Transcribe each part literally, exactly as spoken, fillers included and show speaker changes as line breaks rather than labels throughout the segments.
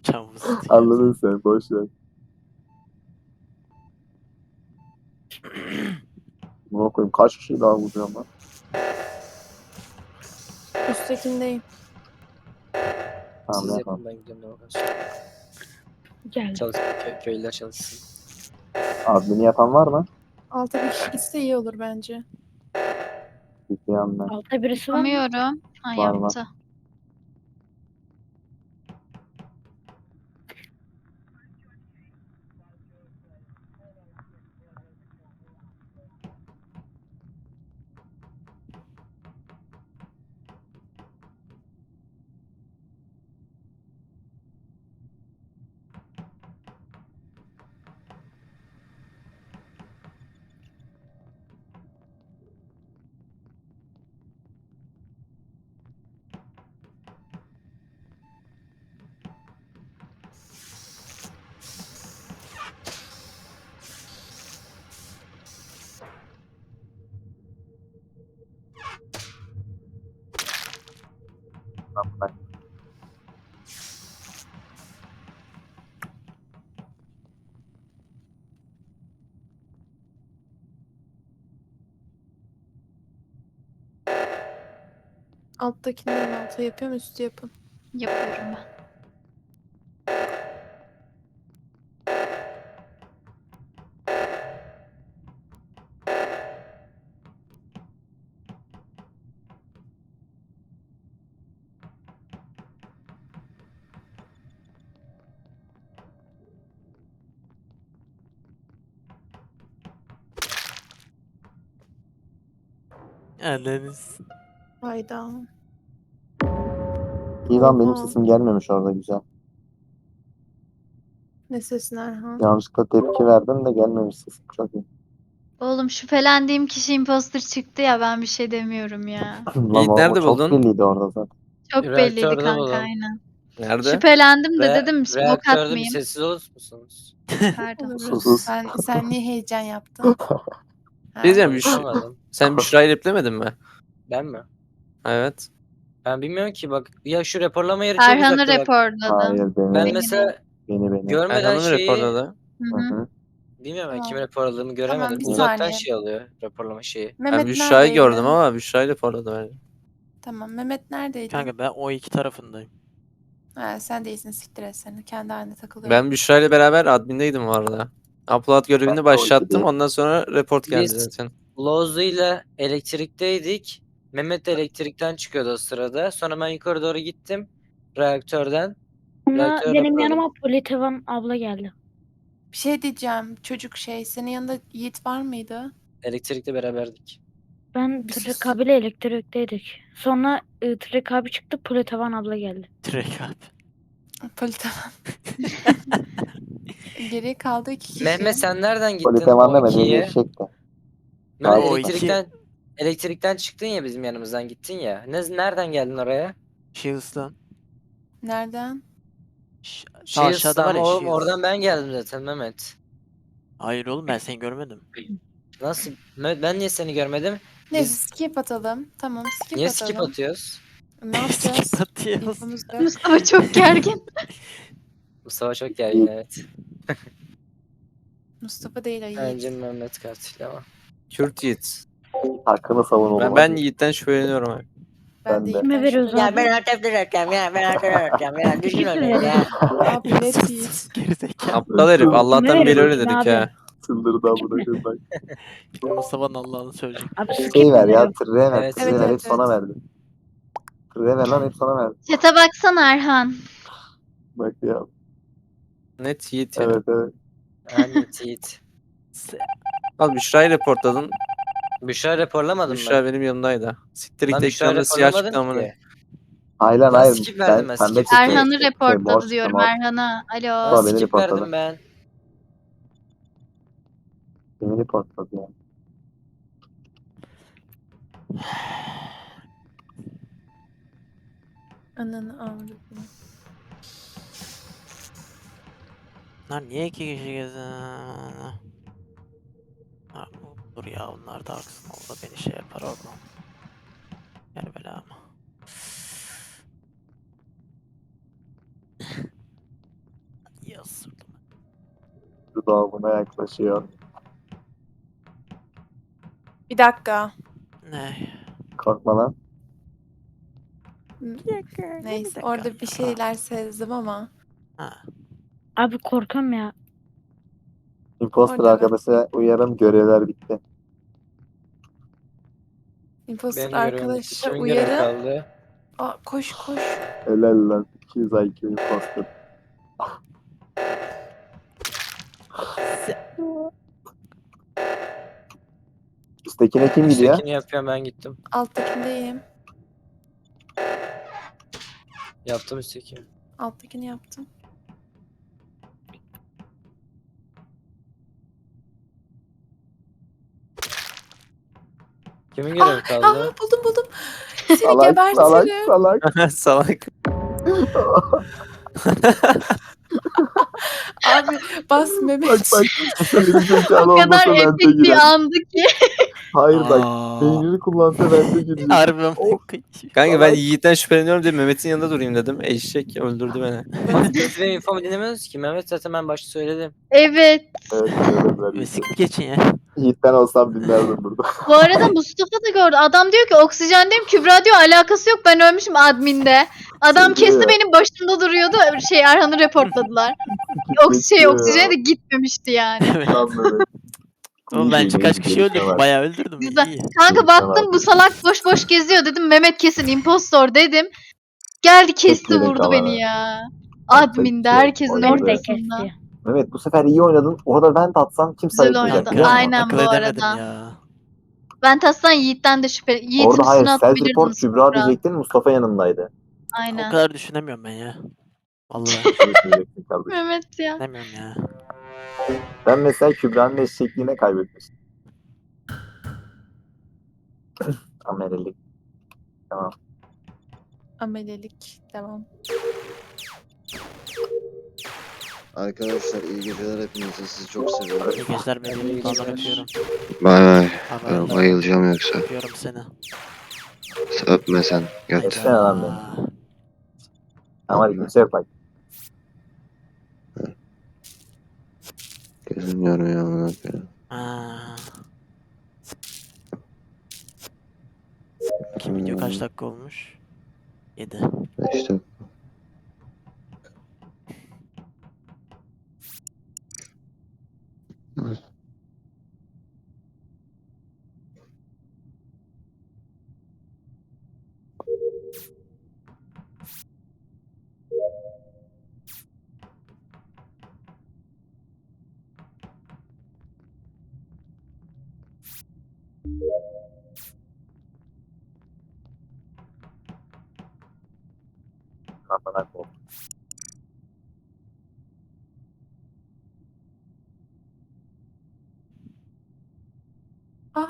Çamur sıkıyor.
Anladın sen, boş ver. Buna koyayım, kaç kişi daha vuracağım lan?
Üsttekindeyim.
Tamam,
Siz
yapalım.
yapın, ben gidiyorum lokasyon.
Geldim.
Çalışsın, kö köylüler çalışsın.
Admini yapan var mı?
Alta bir kişi gitse iyi olur bence.
Bir yandan.
Altta birisi var mı?
Yapamıyorum. Ha
Var, var.
yaptı.
Tamam,
Alttakinden alta yapıyorum, üstü yapın.
Yapıyorum ben.
Anneniz.
Hayda.
İyi lan, benim
Oha.
sesim gelmemiş orada, güzel.
Ne sesin Erhan?
Yanlışlıkla tepki verdim de gelmemiş sesim, çok iyi.
Oğlum şüphelendiğim kişi imposter çıktı ya, ben bir şey demiyorum ya.
Lan
Yiğit
o, o
nerede
çok
buldun?
belliydi orada zaten.
Çok belliydi
Reaktörde
kanka,
bulalım.
aynen.
Nerede?
Şüphelendim de
Re
dedim smoke
reaktörde bir
atmayayım.
sessiz olur musunuz?
Pardon.
Oluruz.
Sus.
Sen, sen niye heyecan yaptın? Ha?
Diyeceğim, Büş
Konuşamadım.
sen Büşra'yı replemedin mi?
Ben mi?
Evet.
Ben bilmiyorum ki, bak ya, şu raporlama yeri çok
Erhan'ı
uzakta bak.
reportladım.
Hayır, beni.
Ben
Beni
mesela
Beni beni.
görmeden
Erhan'ın
şeyi
raporladı.
Hı
Hı
hı.
hı.
bilmiyorum, ben
Tamam.
kimi raporladığımı göremedim.
Tamam, bir
Uzaktan
saniye.
şey alıyor raporlama şeyi.
Ben
Mehmet
Büşra'yı
neredeydin?
gördüm ama Büşra'yı raporladı bence.
Tamam, Mehmet neredeydin?
Kanka ben o iki tarafındayım.
Ha, sen değilsin, siktir et seni. Kendi haline takılıyor.
Ben Büşra'yla beraber admindeydim bu arada. Upload görevini
Ben de o
başlattım.
ikideyim.
Ondan sonra report geldi
Biz
zaten.
Lozu ile elektrikteydik. Mehmet de elektrikten çıkıyordu o sırada. Sonra ben yukarı doğru gittim. Reaktörden.
Sonra
Reaktör
benim
raporladım.
yanıma Politevan abla geldi.
Bir şey diyeceğim. Çocuk şey, senin yanında Yiğit var mıydı?
Elektrikle beraberdik.
Ben
Bir
Tırrek
sus.
abiyle elektrikteydik. Sonra ı, Tırrek abi çıktı, Politevan abla geldi.
Direkt abi.
Politevan. Geriye kaldı iki kişi.
Mehmet sen nereden gittin
Politevan
o
demedi, beni
ikiye?
eşekti.
Mehmet
O
elektrikten elektrikten çıktın ya, bizim yanımızdan gittin ya. Ne, nereden geldin oraya?
Shields'tan.
Nereden?
Ş- Sağ
Shields'tan
aşağıda var
mı?
ya
Oğlum
Shields.
oradan ben geldim zaten Mehmet.
Hayır oğlum, ben seni görmedim.
Nasıl? Mehmet, ben niye seni görmedim?
Neyse,
Biz
skip atalım. Tamam, skip
niye
atalım.
skip atıyoruz?
Ne yapacağız?
Skip atıyoruz.
İnfomuz yok.
Mustafa çok gergin.
Mustafa çok gergin, evet.
Mustafa değil o Yiğit.
Bence Mehmet katil ama.
Kürt Yiğit.
Hakkını savun oğlum.
Ben, ben Yiğit'ten şüpheleniyorum abi.
Ben
ben
de
de.
Kime
Yiğit'ten
veriyoruz
şüpheleniyorum.
abi?
artık direceğim ya, ben artık direceğim ya. Düşün
Kim
öyle ya.
veriyor?
Abi net
Sus,
Yiğit.
sus, gerizekalı. Aptal herif. Allah'tan
Kime
beri öyle
veriyorsun
dedik
abi?
ha.
Çıldırdı amına koyayım bak.
Şimdi Mustafa'nın Allah'ını söyleyecek.
Abi skip
Şey
mi
ver ya,
veriyor?
tırreye ver,
Evet,
tırreye
evet,
ver,
evet,
hep sana
evet.
verdi. Tırreye ver lan, hep sana verdi.
Çete baksana Erhan.
Bak ya.
Net Yiğit ya.
Evet evet.
Ahmet Yiğit.
Se- Al Büşra'yı reportladın.
Büşra raporlamadım
Büşra
ben.
benim yanımdaydı. Siktir
Ben
git,
Büşra
ekranımda siyah çıktı
raporlamadım
amına.
ki.
Hayır lan,
Lan
hayır.
skip verdim ben,
Ben pembe
skip,
çıktı.
skip.
Erhan'ı
Şey,
reportladı
mor çıktı,
diyorum
mor.
Erhan'a. Alo.
Lan
Baba beni
skip
reportladı.
verdim ben.
Beni reportladı ya.
Ananı avradım.
Lan niye iki kişi gezdin? Ha, dur ya, onlar da haksın. O da beni şey yapar oradan. Gel bela ama.
Öldü doğumuna yaklaşıyor.
Bir dakika.
Ne?
Korkma lan.
Neyse orada bir şeyler sezdim ama.
Ha.
Abi korkuyorum ya.
Imposter
Orada
arkadaşa uyarım, görevler bitti.
Imposter
Benim görevim bitti.
arkadaşa
Kimin görevi
uyarı.
kaldı?
Aa, koş koş.
Helal lan. iki yüz I Q imposter. Üsttekine kim gidiyor?
Üsttekini yapıyorum, ben gittim.
Alttakindeyim.
Yaptım üsttekini.
Alttakini yaptım.
Kimin görevi
Aa
kaldı?
buldum buldum. Seni
Salak salak
gebertirim.
salak.
Salak.
Abi bas Mehmet.
Bak bak. Benim zekalı
O kadar
olmasa vente
epik bir
girer.
andı ki.
Hayır bak.
Aa.
Beynini kullansa vente girecek.
Harbi mi?
Of.
Kanka ben
Salak.
Yiğit'ten şüpheleniyorum diye Mehmet'in yanında durayım dedim. Eşek öldürdü beni.
Siz benim infomu dinlemiyorsunuz ki. Mehmet zaten ben başta söyledim.
Evet.
Evet söylediler.
Ve
Yiğit'e.
sikip geçin ya.
Yiğit'ten olsam dinlerdim burada.
Bu arada Mustafa da gördü. Adam diyor ki oksijendeyim. Kübra diyor alakası yok. Ben ölmüşüm adminde. Adam
Şey
kesti
diyor.
benim başımda duruyordu. Şey Erhan'ı reportladılar. Oks şey
Geçiyor ya.
oksijene de gitmemişti yani.
Evet.
Lan Mehmet.
Oğlum
İyi
bence
değil,
kaç
iyi
kişi
değil,
öldürdüm.
tamam.
Bayağı öldürdüm.
Güzel.
İyi.
Kanka
Tamam,
baktım bu
abi.
salak boş boş geziyor dedim. Mehmet kesin impostor dedim. Geldi kesti
yedin
vurdu
kalanı.
beni ya.
Yapacak bir
Adminde
şey yok.
herkesin
Oynadı.
Orada
ortasında.
kesti.
Mehmet bu sefer iyi oynadın. Orada vent atsan kimse
Güzel
ayıkmayacak.
oynadı.
biliyor musun?
Aynen
akıl
bu
edemedim
arada.
ya.
Ben taslan Yiğit'ten de şüpheli. Yiğit'in
Orada hayır
üstüne
self report
atabilirdiniz.
Kübra
Kübra.
diyecektin, Mustafa yanındaydı.
O
Aynen.
kadar düşünemiyorum ben ya. Vallahi
Şunu söyleyecektin kardeşim.
Mehmet ya.
düşünemiyorum ya.
Ben mesela Kübra'nın eşekliğine kaybetmiştim. Amelilik. Tamam.
Amelelik. Devam.
Arkadaşlar iyi geceler hepinize. Sizi çok seviyorum.
İyi geceler bebeğim.
İyi
Vallahi
geceler.
öpüyorum.
Bay bay.
Haber
Ben bayılacağım yoksa.
öpüyorum seni.
Öpme sen. Göt.
Öpsene lan beni. Tamam hadi kimse yok bak.
Gözüm yormuyor amına koyayım.
Aa. Kim video kaç dakika olmuş? yedi.
İşte
Kafana kol.
Aa,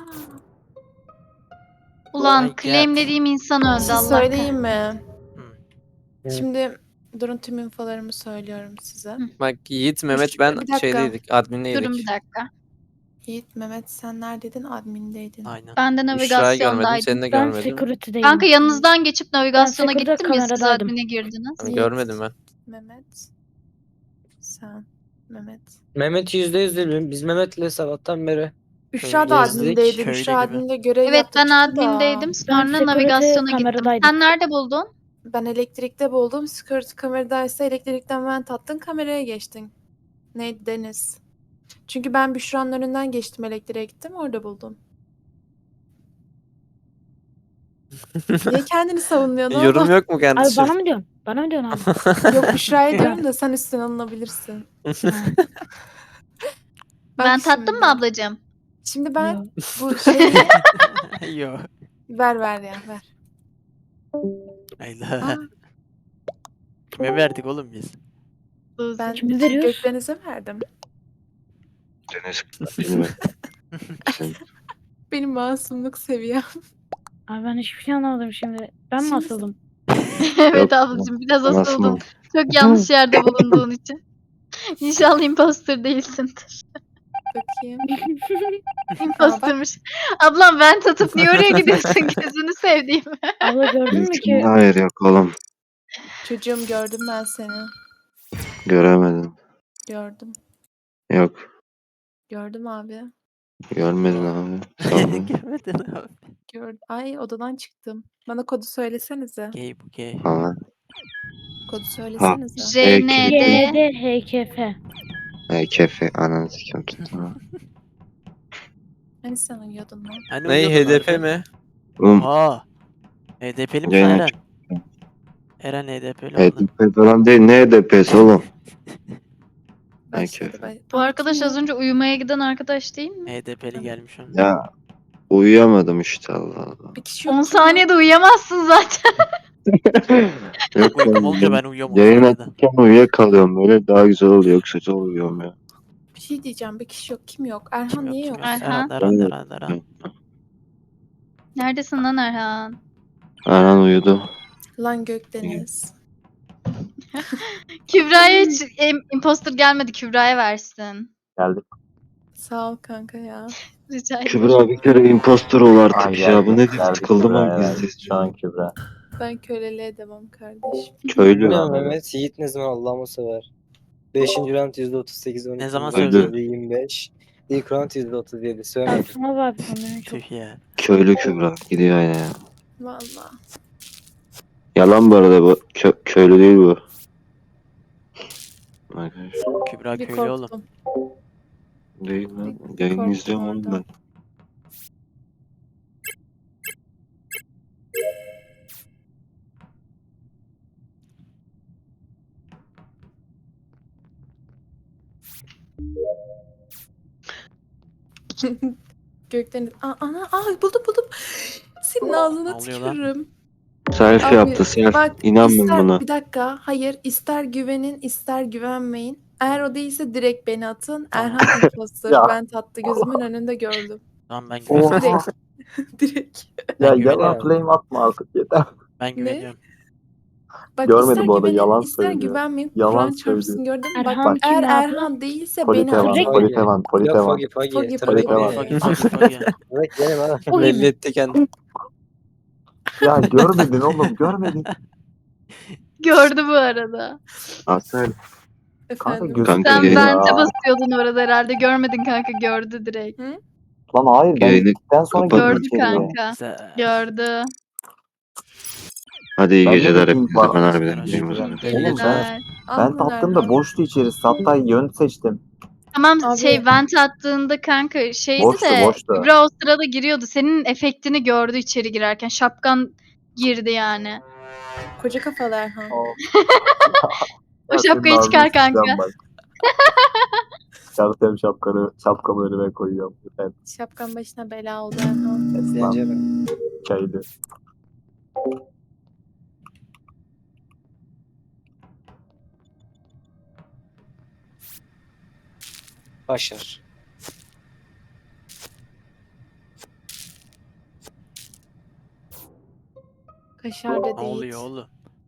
Ulan
my God.
claimlediğim insan
bir
öldü
şey
Allah
söyleyeyim mi?
Hı.
Şimdi durun tüm infolarımı söylüyorum size.
Bak Yiğit, Mehmet
Üç-
ben
bir dakika.
şeydeydik.
kahretsin.
Admindeydik.
Durun bir dakika.
Yiğit, Mehmet sen neredeydin? Admindeydin.
Aynen.
Ben de
Büşra'yı görmedim.
navigasyondaydım.
Seni de
Ben
görmedim.
security'deyim.
Kanka yanınızdan geçip navigasyona
security
gittim ya siz
kameradaydım.
admine girdiniz.
Hani
Yiğit.
görmedim ben.
Mehmet. Sen. Mehmet.
Mehmet yüzde yüz değil. Biz Mehmet'le sabahtan beri.
Büşra da
Gezdik,
admindeydi.
köylü
Büşra
gibi.
adminde görev
Evet
yaptı
ben
çıktı da.
admindeydim. Sonra
security
navigasyona gittim.
kameradaydım.
Sen nerede buldun?
Ben elektrikte buldum. Security kameradaysa elektrikten vent attın. Kameraya geçtin. Neydi? Deniz. Çünkü ben Büşra'nın önünden geçtim. Elektriğe gittim. Orada buldum. Niye kendini savunuyorsun
Yorum
oğlum?
yok mu
Abi
kardeşim?
bana mı diyorsun? Bana mı diyorsun abi?
Yok Büşra'ya diyorum da sen üstüne alınabilirsin. Bak
Ben tattım
şimdi.
mı ablacığım?
Şimdi ben
Yok.
bu şeyi
Yo.
ver ver ya ver.
Hayda.
Aa,
Kime verdik oğlum biz?
ben
Kimi veriyoruz?
Gökdeniz'e verdim.
Deniz bilmiyorum. Sen
Benim masumluk seviyem.
Abi ben hiçbir şey anlamadım şimdi. Ben mi
Şimdi-
asıldım?
Evet
Yok,
ablacığım biraz
nasıl
asıldın.
mı?
Çok yanlış yerde bulunduğun için. İnşallah imposter değilsindir.
Bakayım.
Impostermış. Ablam ben tutup niye oraya gidiyorsun gözünü sevdiğim.
Abla gördün mü ki?
Hayır yok oğlum.
Çocuğum gördüm ben seni.
Göremedim.
Gördüm.
Yok.
Gördüm abi.
Görmedin abi. Sandım.
Görmedin abi.
Gördüm. Ay odadan çıktım. Bana kodu söylesenize.
Gay bu gay.
Falan.
Kodu söylesenize.
J N D
Y N D H K F.
Ay kefe ananı sikim tuttu.
Hani sen uyuyordun lan?
Hani
Ney
uyuyordun
H D P
orada?
mi?
Oğlum
Aa. H D P'li misin
Yayına
Eren?
çıktı.
Eren H D P'li oldu.
H D P falan değil. Ne H D P'si oğlum? Ay
Başladı.
kefe.
Bay-
Bu
Aa,
arkadaş
kim
az
ya?
önce uyumaya giden arkadaş değil mi?
H D P'li gelmiş onun.
Ya uyuyamadım işte Allah Allah.
Bir kişi yok.
on
kim ya?
saniyede uyuyamazsın zaten.
Yok
Uykum
oğlum,
olunca ben uyuyorum o
yayın
saniyede.
açarken uyuyakalıyorum böyle daha güzel oluyor. Yoksa çok uyuyorum ya.
Bir şey diyeceğim. Bir kişi yok. Kim yok? Erhan
Kim yok
niye
kim
yok?
yok.
Erhan.
Eren Eren Eren Eren.
Neredesin lan Erhan?
Erhan uyudu.
Lan Gökdeniz.
Kübra'ya hiç em- imposter gelmedi. Kübra'ya versin.
Geldik.
Sağ ol kanka ya.
Rica ederim.
Kübra bir kere impostor ol artık
Ay
ya. Bu
geldik.
nedir?
Geldik
Sıkıldım
Kübra'ya
ama
verdik.
bizde.
Şu an Kübra.
Ben köleliğe devam kardeşim.
Köylü.
Ne
Tamam, evet.
Mehmet? Yiğit ne zaman Allah'ımı sever. beşinci round yüzde otuz sekiz on iki.
Ne zaman
söyledi?
yüzde yirmi beş. İlk round yüzde otuz yedi. Söylemedim.
Aslında abi sanırım çok.
Tüh ya.
Köylü Kübra. Gidiyor yine ya.
Valla.
Yalan bu arada bu. Kö- köylü değil bu. Arkadaşlar.
Kübra
Bir
köylü oğlum.
korktum.
Değil lan.
Bir
Yayını
korktum
izliyorum oğlum
orada.
ben.
Gökdeniz. Aa, ana, aa buldum buldum. Senin ağzına
Ne oluyor lan?
tükürürüm.
Selfie
Abi,
yaptı selfie.
Bak
İnanmıyorum
ister,
buna.
bir dakika. Hayır. ister güvenin ister güvenmeyin. Eğer o değilse direkt beni atın.
Tamam.
Erhan imposter.
Ya.
Ben tattı. Gözümün önünde gördüm.
Tamam ben güveniyorum.
Oha.
Direkt. direkt.
Ya
Ben güveniyorum.
yalan flame atma artık yeter.
Ben güveniyorum.
Bak
Görmedim
ister
bu arada,
güvenin
yalan
ister
söylüyor.
güvenmeyin.
Yalan
Kur'an
söylüyor.
çarpsın gördün mü? Bak
Erhan
eğer
kim abi?
Erhan değilse beni
Politevan,
atın.
Direkt-
politevan,
Yok
politevan.
Fogi Fogi.
Fogi,
Trafik
Fogi,
değil.
Fogi Fogi Fogi.
Evet benim ha.
O
Belli
gibi.
etti kendini.
Ya görmedin oğlum, görmedin.
Gördü bu arada.
Asel.
Kanka
Efendim.
gözüm
Kanka,
Sen
yayını-
bence
ya.
basıyordun orada herhalde. Görmedin kanka, gördü direkt.
Lan hayır ben
Yayını
gittikten sonra
kapat.
girdim
Gördü
içeriye.
kanka.
Güzel.
Gördü.
Hadi iyi
Ben de
geceler
bildiğim
hepinize.
var.
Ben harbiden
Arkadaşlar.
gideyim o zaman.
Oğlum ben,
Güzel.
ben tattığımda boştu içerisi. Hatta yön seçtim.
Tamam
Abi-
şey vent attığında kanka şeydi
Boştu,
de
boştu.
Kübra o sırada giriyordu. Senin efektini gördü içeri girerken. Şapkan girdi yani.
Koca kafalı Erhan.
O,
O şapkayı çıkar kanka.
Çıkartayım şapkanı, şapkamı önüme koyuyorum. Ben
Şapkan başına bela oldu Erhan.
esnaf
Bence de.
çaydı.
Başar.
Kaşar da
Ne
değil.
oluyor oğlum?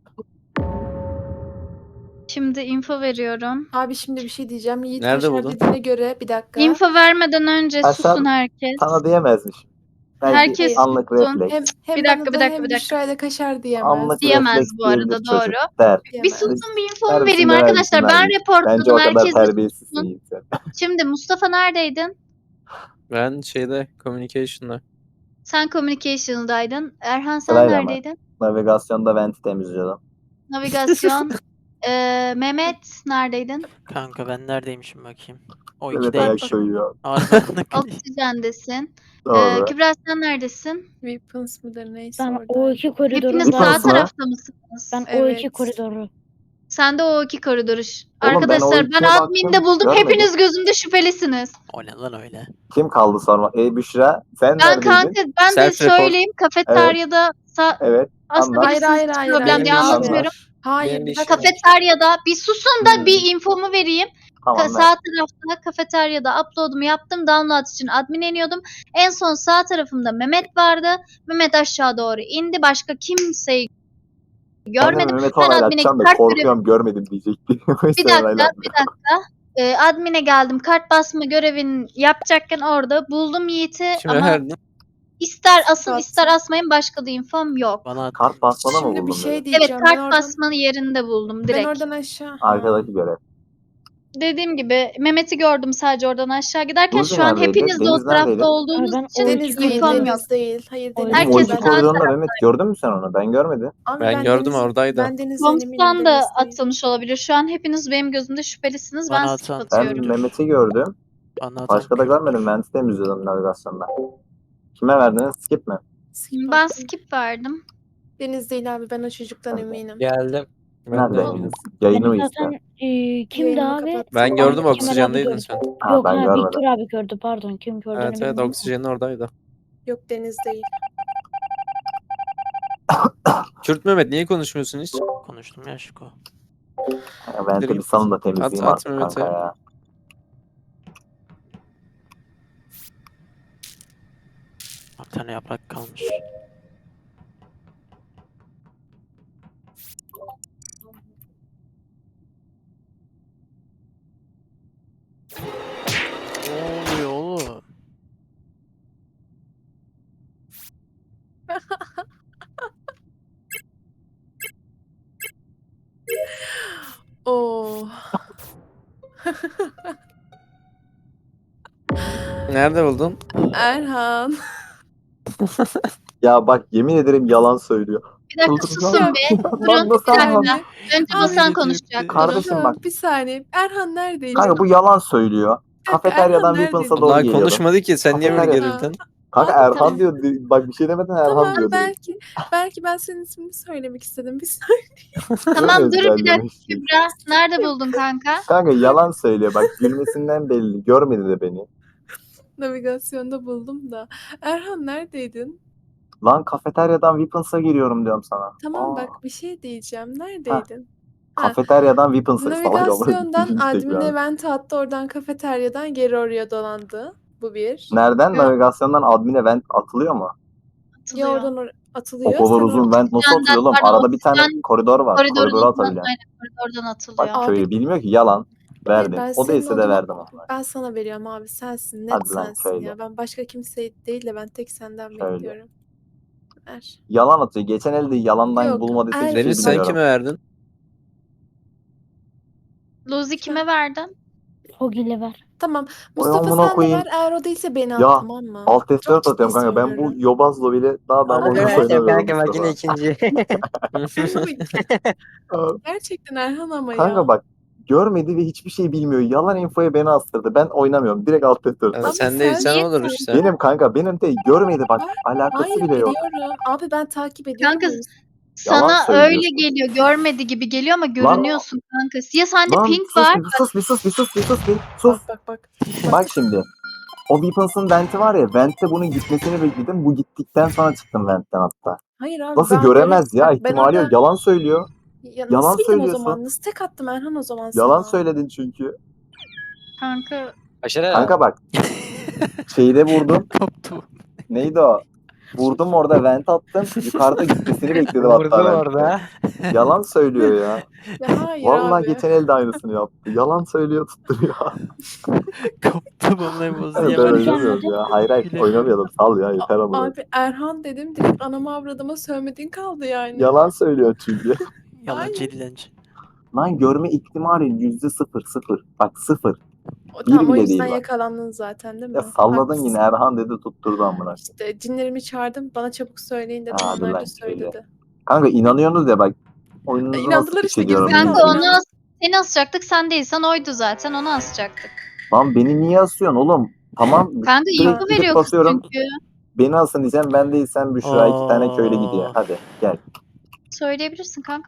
Şimdi info veriyorum.
Abi şimdi bir şey diyeceğim. Yiğit
Nerede
Kaşar
buldun?
dediğine göre bir dakika.
Info vermeden önce
Ha,
susun
sen-
herkes.
Sana diyemezmiş. Belki
Herkes
anlık
sussun.
refleks.
Hem, hem
Bir
bana
dakika,
da
bir dakika,
hem
bir dakika.
Büşra'ya da Kaşar diyemez.
Anlık
Diyemez
refleks
bu arada,
diyebilir
doğru.
çocuk der.
Bir
Diyemez.
susun bir infomu
Versin
vereyim
de
arkadaşlar.
versin
Ben
abi. Bence
reportladım.
o kadar
Herkes
terbiyesizsin
sussun.
Yiğit sen.
Şimdi Mustafa neredeydin?
Ben şeyde communication'da.
Sen communication'daydın. Erhan sen
Sırayla mı?
neredeydin?
Navigasyonda venti temizliyordum.
Navigasyon. Ee, Mehmet neredeydin?
Kanka ben neredeymişim bakayım. O
Evet ayak
ikideymişim.
koyuyor.
Harbiden.
Oksijendesin. Ee,
Doğru.
Kübra sen neredesin?
Weapons mıdır neyse
Ben
orada.
o iki koridoru
Hepiniz
Bir
sağ
tanesi var.
tarafta mısınız?
ben o
Evet.
iki koridoru.
Sen de o iki koridoru. ş-
Oğlum ben o
Arkadaşlar ben,
ikiye baktım,
adminde buldum.
görmedim.
Hepiniz gözümde şüphelisiniz.
O ne lan öyle?
Kim kaldı sonra? E Büşra sen
Ben
neredeydin?
kanka ben de
Self-report.
söyleyeyim. Kafeteryada sa-
Evet.
aslında
anlat.
bir
Hayır, hayır, hayır,
problem
hayır.
diye
Abi.
anlatıyorum.
Hayır.
Benim bir
bir
işim
dakika.
var.
Kafeteryada bir susun da
Hmm.
bir infomu vereyim.
Tamam
Ka-
ver.
sağ tarafta kafeteryada upload'umu yaptım. Download için admin iniyordum. En son sağ tarafımda Mehmet vardı. Mehmet aşağı doğru indi. Başka kimseyi
Ben de
görmedim.
Mehmet
Ben admine
onaylatacağım da
kart görevi...
korkuyorum görmedim diyecekti.
Bir dakika, bir dakika. Ee, admine geldim. Kart basma görevini yapacakken orada buldum Yiğit'i
Kime
ama
verdin?
ister asın
Kart.
ister asmayın başka da infom yok.
Bana at.
Kart basmada mı
Şimdi bir
buldun
şey
beni?
diyeceğim.
Evet
ben
kart
oradan,
basmanın yerinde buldum
ben
direkt.
oradan aşağı. Ha.
Arkadaki görev.
dediğim gibi Mehmet'i gördüm sadece oradan aşağı giderken.
Luzi
Şu an
neredeydi?
hepiniz de o
Deniz
tarafta
neredeydi?
olduğunuz
Ay, ben
için
o
Deniz değil,
infom yok.
Deniz değil. Hayır,
Oğlum,
Deniz
Oğlum
Herkes
o iki
ben-
koridorunda Mehmet gördün mü sen onu? Ben görmedim.
Abi
Ben gördüm,
Deniz-
oradaydı.
Ben Deniz'den eminim.
Komstan da
Deniz değil.
atılmış olabilir. Şu an hepiniz benim gözümde şüphelisiniz. Ben
Bana
skip
atan-
Ben
atıyorum.
Mehmet'i gördüm.
Bana atan
Başka da
Kürt'tür.
görmedim. Vent'i temizliyordum navigasyonda. Kime verdiniz? Skip mi?
Skip
Ben
attım.
skip verdim.
Deniz değil abi, ben o çocuktan
Ben de.
eminim.
Geldim.
Ben de
Nerede?
eminim.
Yayını mı
Beni
izle?
zaten e, kimdi
Yayınımı
abi?
kapattım.
Ben gördüm,
Kemal abi
oksijendeydin
gördü.
sen.
Ha,
Yok
ben
ha
görmedim.
Victor abi gördü pardon. Kim gördüğünü
Evet evet,
bilmiyorum.
oksijenin oradaydı.
Yok, Deniz değil.
Kürt Mehmet niye konuşmuyorsun hiç?
Konuştum ya Şiko.
Ya Vent'i bir
git.
salın da temizleyeyim
At, at
artık
Mehmet'e.
kanka ya.
Bir tane yaprak kalmış. Ne oluyor oğlum?
Oo.
Nerede buldun?
Erhan.
Ya bak yemin ederim yalan söylüyor.
Bir dakika
Çıldıracağım.
susun bir.
Lan
Durun.
nasıl
Bir
Erhan?
dakika. Önce
Abi
Basan
ne
konuşacak.
diyecekti?
Durun.
Kardeşim
Tamam,
bak.
bir saniye. Erhan neredeydi?
Kanka bu yalan söylüyor.
dakika,
Kafeteryadan
Erhan
Weapons'a
neredeydi?
doğru
Daha
geliyordu.
konuşmadı ki, sen niye böyle
Kafeterya.
gerildin?
Kanka
Abi,
Erhan
tamam.
diyor. Bak bir şey demeden Erhan
Tamam,
diyor. direkt.
belki belki ben senin ismini söylemek istedim. Bir saniye.
Tamam
Böyle
dur bir dakika
ezberlemiş.
Kübra. Nerede buldun kanka?
Kanka yalan söylüyor. Bak gülmesinden belli. Görmedi de beni.
Navigasyonda buldum da. Erhan neredeydin?
Lan kafeteryadan Weapons'a giriyorum diyorum sana.
Tamam
Aa,
bak, bir şey diyeceğim. Neredeydin? Ha,
Kafeteryadan Weapons'a salak ama.
navigasyondan
Tekrar.
admin event attı. Oradan kafeteryadan geri oraya dolandı. Bu bir.
Nereden?
Yok.
Navigasyondan admin event atılıyor mu?
Ya
Atılıyor.
oradan or- atılıyor.
O kadar
sen
uzun
oradan-
vent nasıl
Senden
atılıyor oğlum?
pardon,
Arada bir tane
sen
koridor var.
Koridorun
Koridora
ucundan,
atabilen.
aynen koridordan
Bak
atılıyor.
Abi-
köylü bilmiyor ki yalan. Verdim.
ben
O
senin
değilse de
odama-
verdim ona.
Ben sana veriyorum abi. Sensin. Net
Hadi lan,
sensin
söyle.
ya. Ben başka kimse değil de ben tek senden
Söyle.
bekliyorum. Ver.
Yalan atıyor. Geçen elde yalandan
Yok,
bulmadıysa
er-
hiçbir şey
Deniz sen
bilmiyorum.
kime verdin?
Luzi kime verdin?
Hogil'e ver.
Tamam.
Oy
Mustafa
amına
sen de
koyayım.
ver. Eğer o değilse beni at,
Ya,
tamam mı?
Alt F dört
Çok ciddi
atıyorum kanka. Ben bu
söylüyorum.
Yobaz'la bile daha daha
Abi,
oyun
evet,
oynamıyorum
Kanka bak yine
Mustafa.
ikinci.
Aa,
Gerçekten Erhan ama ya.
Kanka bak görmedi ve hiçbir şey bilmiyor. Yalan infoya beni astırdı. Ben oynamıyorum. Direkt Alt F dört.
Yani
Ama
sen
sen
değilsen
niye
olur
sen-
işte.
Benim kanka benim de görmedi bak. Alakası
Hayır
bile yok.
biliyorum. Abi ben takip ediyorum.
Kanka
o yüzden.
sana
söylüyorsun.
öyle geliyor. Görmedi gibi geliyor ama görünüyorsun kanka. Ya sende
Lan
pink
sus
var.
bir sus bir sus bir sus bir sus bir sus.
Bak bak bak.
Bak şimdi. O Weapons'ın venti var ya. Vent'te bunun gitmesini bekledim. Bu gittikten sonra çıktım vent'ten hatta.
Hayır abi.
Nasıl
ben
göremez
göre-
ya?
Bak, ben
İhtimali yok.
orada-
Yalan söylüyor.
Ya
yalan
nasıl bildim o
söylüyorsun.
zaman? Nasıl tek attım Erhan o zaman sana?
Yalan söyledin çünkü.
Kanka
Aşırı.
Kanka bak. Şeyde vurdum.
Koptu.
Neydi o? Vurdum orada vent attım. Yukarıda gitmesini bekledim hatta
Vurdu
vent'te.
orada.
Yalan söylüyor ya.
Ya hayır
Vallahi
abi.
geçen elde aynısını yaptı. Yalan söylüyor tutturuyor.
Koptu vallahi bozu
ben
Yalan
oynamıyorum
söyledi.
ya. Hayır hayır
Bile-
oynamayalım. Sal ya yeter ama.
Abi Erhan dedim, direkt anama avradıma sövmediğin kaldı yani.
Yalan söylüyor çünkü.
Yalancı dilenci.
Lan görme ihtimali yüzde sıfır sıfır. Bak sıfır.
O, tamam o
bile
yüzden
değil bak.
yakalandın zaten değil mi?
Ya salladın
Haklısın.
yine Erhan dedi tutturdu amına.
İşte cinlerimi çağırdım, bana çabuk söyleyin dedim,
Abi
onlar
lan
da söyledi.
Kanka inanıyorsunuz ya bak. Oyununuzu
E,
nasıl
inandılar
piç
işte,
ediyorum
gerizekalı.
kanka
bilmiyorum.
onu as- seni asacaktık. Sen değilsen oydu zaten. Onu asacaktık.
Lan beni niye asıyorsun oğlum? Tamam.
Kanka
direkt
info
gidip
veriyorsun
basıyorum.
çünkü.
Beni asın diyeceğim ben değilsem Büşra iki tane köylü gidiyor.
Aa.
Hadi gel.
Söyleyebilirsin kanka